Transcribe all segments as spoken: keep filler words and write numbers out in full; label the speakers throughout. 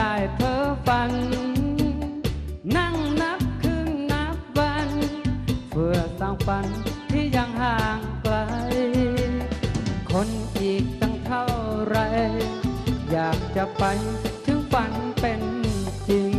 Speaker 1: ได้เพ้อฝันนั่งนับคืนนับวันเพื่อสร้างฝันที่ยังห่างไกลคนอีกตั้งเท่าไรอยากจะไปถึงฝันเป็นจริง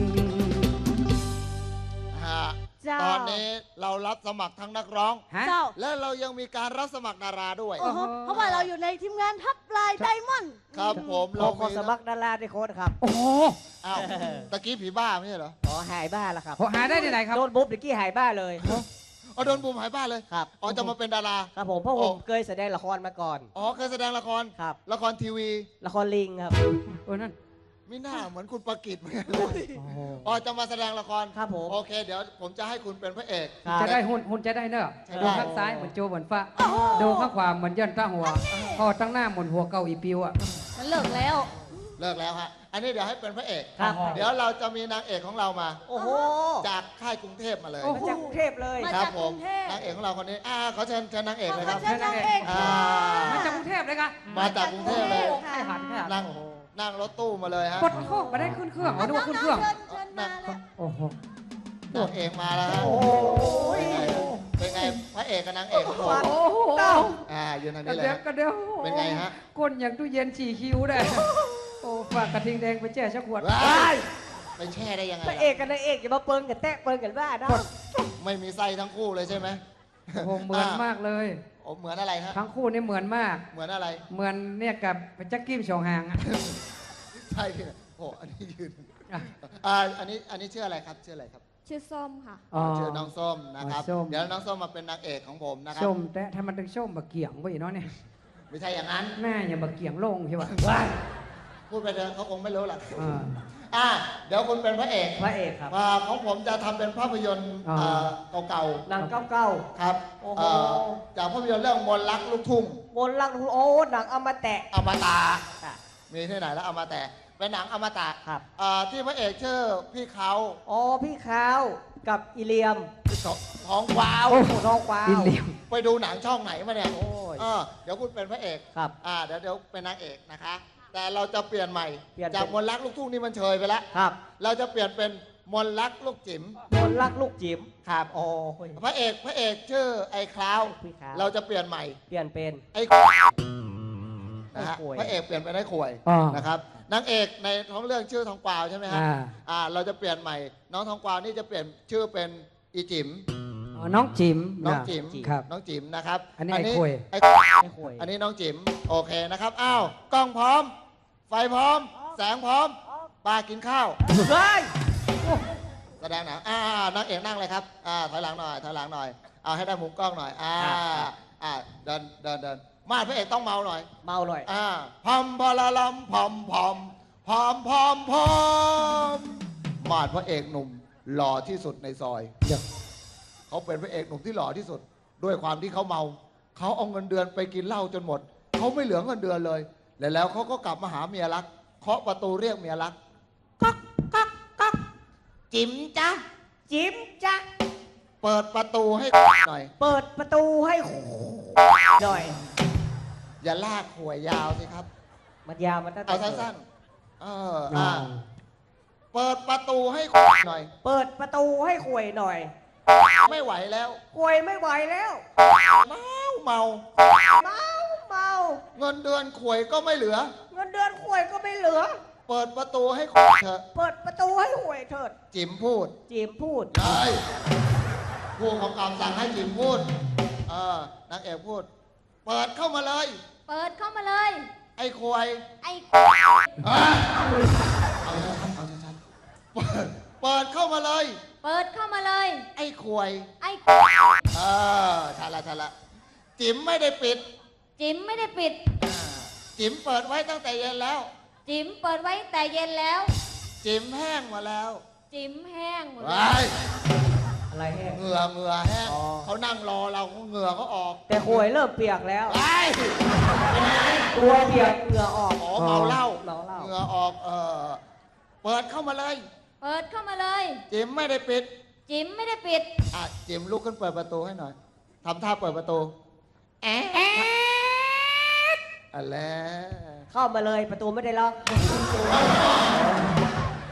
Speaker 2: ตอนนี้เรารับสมัครทั้งนักร้อง
Speaker 3: เจ้า
Speaker 2: และเรายังมีการรับสมัครดาราด้วย
Speaker 3: เพราะว่าเราอยู่ในทีมงานทับลายไดมอนด์
Speaker 2: ครับผมเรา
Speaker 4: ขอสมัครดาราในโค้ดครับ
Speaker 1: โอ้โห
Speaker 2: อ้าวตะกี้ผีบ้าไม่ใช่เหรอ
Speaker 4: อ๋อหายบ้าแล้วครับ
Speaker 1: หายได้ที่ไหนครับ
Speaker 4: โดนบุ๊บตะกี้หายบ้าเลย
Speaker 2: อ๋อโดนบูมหายบ้าเลย
Speaker 4: ครับ
Speaker 2: อ๋อจะมาเป็นดารา
Speaker 4: ครับผมเพราะผมเคยแสดงละครมาก่อน
Speaker 2: อ๋อเคยแสดงละคร
Speaker 4: ครับ
Speaker 2: ละครทีวี
Speaker 4: ละครลิงครับ
Speaker 1: โอ้นั่น
Speaker 2: ไม่น่าเหมือนคุณประกิตเหมือนกันเลยอ๋อจะมาแสดงละคร
Speaker 4: ครับผม
Speaker 2: โอเคเดี๋ยวผมจะให้คุณเป็นพระเอก
Speaker 1: จะได้หุ่นหุ่นจะได้เนอะดูข้างซ้ายเหมือนโจเหมือนฟ้าดูข้างขวาเหมือนยันตั้งหัวพอตั้งหน้าเหมือนหัวเก่าอีปิวอ่ะ
Speaker 3: มันเลิกแล้ว
Speaker 2: เลิกแล้วฮะอันนี้เดี๋ยวให้เป็นพระเอก
Speaker 4: ครับ
Speaker 2: เดี๋ยวเราจะมีนางเอกของเรามา
Speaker 4: โอ้โห
Speaker 2: จากค่ายกรุงเทพมาเลย
Speaker 4: มาจากกรุงเทพเลย
Speaker 2: ครับผมนางเอกของเราคนนี้อ่าขอเชิญเชิญนางเอกเลยครับ
Speaker 3: เชิญนางเอก
Speaker 1: มาจากกรุงเทพเลยค่ะ
Speaker 2: มาจากกรุงเทพเลย
Speaker 1: ใช่หันแค่
Speaker 2: นั่งนั่งรถตู้มาเลยฮะ
Speaker 1: กดโค้งมาได้ขึ้นเครื่องมาดูขึ้นเครื่องโอ้โห
Speaker 2: นางเอกมาแล้วฮะเป็นไงพระเอกกับนางเอกของผม
Speaker 1: โอ้โห
Speaker 2: อ่ายืนทางนี้
Speaker 1: เลยกระเดียว
Speaker 2: เป็นไงฮะ
Speaker 1: ก้นอย่างตู้เย็นฉี่คิ้วได้โอ้ฝากกระทิงแดงไปแช่ชักขวด
Speaker 2: ไปแช่ได้ยังไง
Speaker 4: พระเอกกับนางเอกอย่ามาเปิงกันแตะเปิงกันบ้านะ
Speaker 2: ไม่มีไส้ทั้งคู่เลยใช่ไหม
Speaker 1: โอ้เหมือนมากเลย
Speaker 2: โอ้เหมือนอะไรฮะ
Speaker 1: ทั้งคู่นี่เหมือนมาก
Speaker 2: เหมือนอะไร
Speaker 1: เหมือนเนี่ยกับแจ็คกี้ชองหาง
Speaker 2: ใช่โอ้อันนี้ยืนอ่าอันนี้อันนี้ชื่ออะไรครับชื่ออะไรครับ
Speaker 3: ชื่อส้มค่ะ
Speaker 2: ชื่อน้องส้มนะครับเดี๋ยวน้องส้มมาเป็นนางเอกของผมนะครับ
Speaker 1: ส้มแต่ถ้ามันถึงส้มบะเกี่ยงไว้เนาะเนี่ย
Speaker 2: ไม่ใช่อย่างนั้น
Speaker 1: แม่อย่าบะเกี่ยงลงใช่ป่ะ
Speaker 2: พูดไปเถอะเขาคงไม่รู้หรอกอ่าเดี๋ยวคุณเป็นพระเอก
Speaker 4: พระเอกครับ
Speaker 2: ของผมจะทำเป็นภาพยนตร์เก่าๆ
Speaker 4: หนังเก่า
Speaker 2: ๆครับจากภาพยนตร์เรื่องมนต์รักลูกทุ่ง
Speaker 4: มนต์รักโอ้หนังอมตะ
Speaker 2: อมตะมีที่ไหนแล้วอมตะเป็นหนังอมตะ
Speaker 4: ครับ
Speaker 2: ที่พระเอกชื่อพี่เขา
Speaker 4: อ๋อพี่เขากับอิเลียม
Speaker 2: ท้องกวาว
Speaker 4: ท้องกวาว
Speaker 2: ไปดูหนังช่องไหนมาเนี่ยเดี๋ยวคุณเป็นพระเอก
Speaker 4: ครับ
Speaker 2: เดี๋ยวเดี๋ยวเป็นนางเอกนะคะแต่เราจะเปลี่ยนใหม่จากมนต์รักลูกทุ่งนี่มันเชยไปแล้ว
Speaker 4: ครับ
Speaker 2: เราจะเปลี่ยนเป็นมนต์รักลูกจิ๋ม
Speaker 4: มนต์รักลูกจิ๋ม
Speaker 2: ครับ
Speaker 4: โอ้
Speaker 2: พระเอกพระเอกชื่อไอ้คราวเราจะเปลี่ยนใหม่
Speaker 4: เปลี่ยนเป็น
Speaker 2: ไอ้นะฮะพระเอกเปลี่ยนเป็นไอ้ข่วยนะครับนางเอกในท้องเรื่องชื่อทองกวาวใช่ไหมฮะอ่าเราจะเปลี่ยนใหม่น้องทองกวาวนี่จะเปลี่ยนชื่อเป็นอีจิ๋ม
Speaker 1: น้องจิ๋ม
Speaker 2: น้องจิ๋ม
Speaker 1: ครับ
Speaker 2: น้องจิ๋มนะครับ
Speaker 1: อันนี้ไอ้ข่วย
Speaker 2: ไอ้ข่วยอันนี้น้องจิ๋มโอเคนะครับอ้าวกล้องพร้อมไฟพร้อมแสงพร้อมปลากินข้าว
Speaker 4: เฮ้ย
Speaker 2: แสดงหนังอ่านางเอกนั่งเลยครับอ่าถอยหลังหน่อยถอยหลังหน่อยเอาให้ได้มุมกล้องหน่อยอ่าอ่าเดินเดินเดินมาพระเอกต้องเมาหน่อย
Speaker 4: เมาหน่อย
Speaker 2: อ่าพอมพอละลำพอมพอมพอมพอมพอมมาพระเอกหนุ่มหล่อที่สุดในซอยเขาเป็นพระเอกหนุ่มที่หล่อที่สุดด้วยความที่เขาเมาเขาเอาเงินเดือนไปกินเหล้าจนหมดเขาไม่เหลือเงินเดือนเลยแล้วแล้วเขาก็กลับมาหาเมียรักเคาะประตูเรียกเมียรักก๊อกก๊อกก๊อกจิ๋มจ๊ะ
Speaker 4: จิ๋มจ๊ะ
Speaker 2: เปิดประตูให้หน่อย
Speaker 4: เปิดประตูให้หน่อย
Speaker 2: อย่าลากหัวยาวสิครับ
Speaker 4: มันยาวมันตั้งแต่
Speaker 2: เอาสั้นๆเอออ่าเปิดประตูให้หน่อย
Speaker 4: เปิดประตูให้ข่วยหน่อย
Speaker 2: ไม่ไหวแล้ว
Speaker 4: ข่วยไม่ไหวแล้ว
Speaker 2: เมาเมา
Speaker 4: เมาเมา
Speaker 2: เงินเดือนข่วยก็ไม่เหลือ
Speaker 4: เงินเดือนข่วยก็ไม่เหลือ
Speaker 2: เปิดประตูให้เถอะ
Speaker 4: เปิดประตูให้ข่วยเถิด
Speaker 2: จิ๋มพูด
Speaker 4: จิ๋มพูด
Speaker 2: ใช่ผู้ของกำสั่งให้จิ๋มพูดเออนางเอกพูดเปิดเข้ามาเลย
Speaker 3: เปิดเข้ามาเลย
Speaker 2: ไอ้ข่วย
Speaker 3: ไอ้
Speaker 2: เอาชัดเอาชัดเปิดเปิดเข้ามาเลย
Speaker 3: เปิดเข้ามาเลย
Speaker 2: ไอ้ข่วย
Speaker 3: ไอ้
Speaker 2: เออชัดละชัดละจิ๋มไม่ได้ปิด
Speaker 3: จิ๋มไม่ได้ปิด
Speaker 2: จิ๋มเปิดไว้ตั้งแต่เย็นแล้ว
Speaker 3: จิ๋มเปิดไว้แต่เย็นแล้ว
Speaker 2: จิ๋มแห้งมาแล้ว
Speaker 3: จิ๋มแห้งหมด
Speaker 2: แล้ว
Speaker 4: อะไรแห้ง
Speaker 2: เหงื่อเหงื่อแห้งเขานั่งรอเราเหงื่อเขาออก
Speaker 4: แต่ข่วยเริ่มเปียกแล้ว
Speaker 2: ตัว
Speaker 4: เปียกเหงื่อออก
Speaker 2: อ๋อเมาเหล้า
Speaker 4: เมาเหล้า
Speaker 2: เหงื่อออกเออเปิดเข้ามาเลย
Speaker 3: เปิดเข้ามาเลย
Speaker 2: จิ๋มไม่ได้ปิด
Speaker 3: จิ๋มไม่ได้ปิด
Speaker 2: อ่ะจิ๋มลุกขึ้นเปิดประตูให้หน่อยทำท่าเปิดประตูแอะอะไร
Speaker 4: เข้ามาเลยประตูไม่ได้ล็อก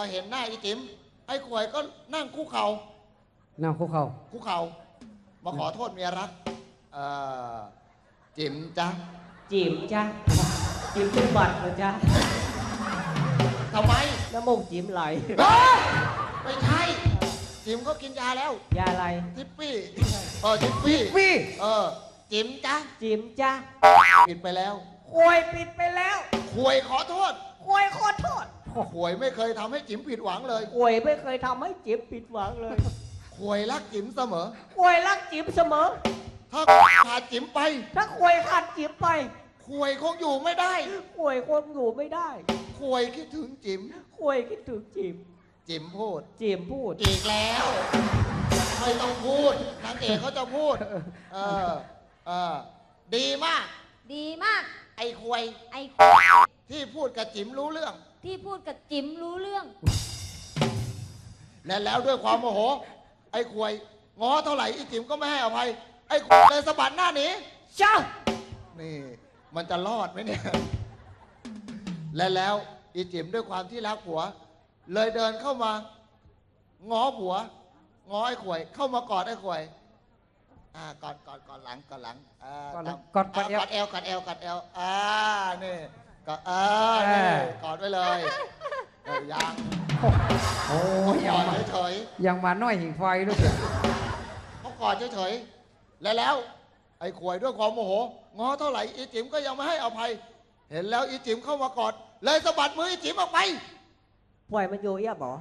Speaker 2: เห็นหน้าอีจิ๋มไอ้ขวยก็นั่งคุกเข่า
Speaker 1: นั่งคุกเข่า
Speaker 2: คุกเข่ามาขอโทษเมียรักเอ่อจิ๋มจ๊ะ
Speaker 4: จีบจ้ะจีบเป็นบัตรเลยจ้ะ
Speaker 2: ทำไม
Speaker 4: น้ำมูกจีบไหล
Speaker 2: เฮ้ยไม่ใช่ จิ๋มก็กินยาแล้ว
Speaker 4: ยาอะไร
Speaker 2: ทิปปี้เออทิปปี้
Speaker 1: วี่
Speaker 2: เออจิ๋มจ๊ะ
Speaker 4: จีบจ้ะ
Speaker 2: ปิดไปแล้ว
Speaker 4: ควยปิดไปแล้ว
Speaker 2: ขวยขอโทษ
Speaker 4: ควยขอโทษ
Speaker 2: ขวยไม่เคยทำให้จิ๋มผิดหวังเลย
Speaker 4: ควยไม่เคยทำให้จีบผิดหวังเลย
Speaker 2: ขวยรักจิ๋มเสมอ
Speaker 4: ควยรักจีบเสมอ
Speaker 2: ถ้าขาดจิ๋มไป
Speaker 4: ถ้าควยขาดจีบไป
Speaker 2: ขวยคงอยู่ไม่ได้
Speaker 4: ควยคงอยู่ไม่ได้
Speaker 2: ขวยคิดถึงจิ๋ม
Speaker 4: ควยคิดถึงจีบ
Speaker 2: จิ๋มพูด
Speaker 4: จีบพูด
Speaker 2: อีกแล้ว ไม่ต้องพูดนางเอกเขาจะพูด เออเออดีมาก
Speaker 3: ดีมาก
Speaker 2: ไอ้ขวย
Speaker 3: ไอ้
Speaker 2: ที่พูดกับจิ๋มรู้เรื่อง
Speaker 3: ที่พูดกับจิ๋มรู้เรื่อง
Speaker 2: และแล้วด้วยความโมโห ไอ้ขวยง้อเท่าไหร่ไอ้จิ๋มก็ไม่ให้อภัย ไอ้ขวยเลยสะบัดหน้าหนี
Speaker 4: เจ้า
Speaker 2: นี่ มันจะรอดไหมเนี่ย และแล้วอีจิ๋มด้วยความที่รักผัว เลยเดินเข้ามา ง้อผัว ง้อไอ้ขวย เข้ามากอดไอ้ขวย อ่ากอดกอดกอดหลังกอดหลังอ่าก
Speaker 1: อดหลัง
Speaker 2: กอด
Speaker 1: กอด
Speaker 2: กอดเอวกอดเอวกอดเอวอ่านี่กอดอ่านี่กอดไว้เลยเออยัง
Speaker 1: โอ้ย
Speaker 2: ก
Speaker 1: ยัง
Speaker 2: อด
Speaker 1: มา
Speaker 2: เฉย
Speaker 1: ยังมาน้อยหิงไฟด้วยเสีย
Speaker 2: ๆเขากอดเฉยๆและแล้ว ไอ้ขวยด้วยความโมโห ง้อเท่าไหร่อีจิ๋มก็ยังไม่ให้อภัย เห็นแล้วอีจิ๋มเข้ามากอด เลยสะบัดมืออีจิ๋มออกไป
Speaker 4: ปล่อยมันอยู่เอี้ยบอ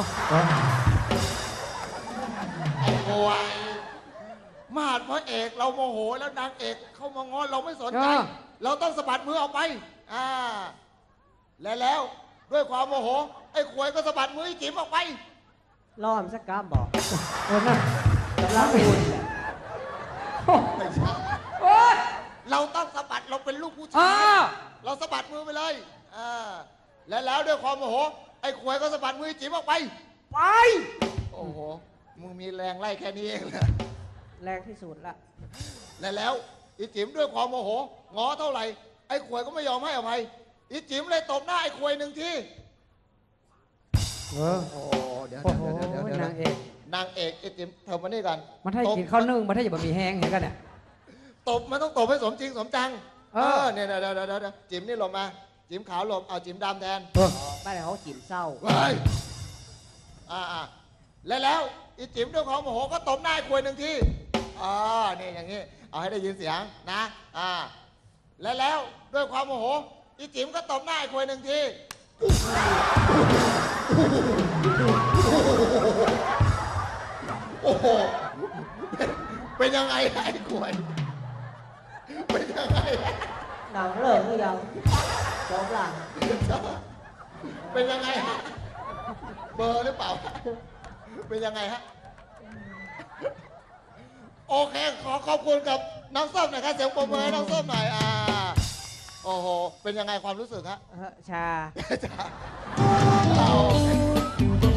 Speaker 2: ไอ้ขวยมาดพระเอกเราโมโหแล้วนางเอกเข้ามาง้อเราไม่สนใจ เราต้องสะบัดมือออกไป อ่า และแล้วด้วยความโมโห ไอ้ขวยก็สะบัดมืออีจิ๋มออกไป
Speaker 4: ล่อมสักกามบอก
Speaker 1: โอ้นั่น
Speaker 4: กำลังบุญแหละ
Speaker 2: ไม่ใช่
Speaker 1: โอ้ย
Speaker 2: เราต้องสะบัดเราเป็นลูกผู้
Speaker 1: อ้า
Speaker 2: ชายว เราสะบัดมือไปเลย อ่า และแล้วด้วยความโมโห ไอ้ขวยก็สะบัดมืออีจิ๋มออกไป
Speaker 4: ไป
Speaker 2: โอ้โห มึงมีแรงไล่แค่นี้เองเหรอ
Speaker 4: แรงที่สุดละ
Speaker 2: และแล้วอีจิ๋มด้วยความโมโห ง้อเท่าไหร่ ไอ้ขวยก็ไม่ยอมให้อภัย อีจิ๋มเลยตบหน้าไอ้ขวยหนึ่งที
Speaker 1: เออ
Speaker 2: โอ้เดี๋ยว
Speaker 1: โอ้โห
Speaker 2: เดี๋ยวเดี๋ยวเดี๋ยวน
Speaker 1: างเอก
Speaker 2: นางเอกไอ้จิ๋มเธอมานี่กัน
Speaker 1: มันให้
Speaker 2: ตบ
Speaker 1: กินข้าวนึ่งมันให้อย่าบะหมี่แห้งเห็นกันเนี่ย
Speaker 2: ตบมันต้องตบให้สมจริงสมจัง
Speaker 1: เออ
Speaker 2: เนี่ยเดี๋ยวเดี๋ยวเดี๋ยวเดี๋ยวจิ๋มนี่หลบมา จิ๋มขาวหลบ เอาจิ๋มดำแทน
Speaker 1: เออ
Speaker 4: บ้านเขาจีบเศร้า
Speaker 2: เว้ยอ่าอ่าและแล้วอีจิ๋มด้วยความโมโหก็ตบหน้าไอ้ขวยหนึ่งทีอ่านี่อย่างนี้ เอาให้ได้ยินเสียงนะ อ่า และแล้วด้วยความโมโห อีจิ๋มก็ตบหน้าไอ้ขวยหนึ่งที โอ้โห เป็นยังไงไอ้ขวย เป็นยังไง
Speaker 4: หนังเลิกหรือยังจบละ
Speaker 2: เป็นยังไงฮะ เบอร์หรือเปล่า เป็นยังไงฮะ โอเค ขอขอบคุณกับน้องส้มหน่อยครับเสียงปรบมือให้น้องส้มหน่อย อ่า โอ้โห เป็นยังไงความรู้สึกฮะ
Speaker 4: เออชา
Speaker 2: จ้าเอา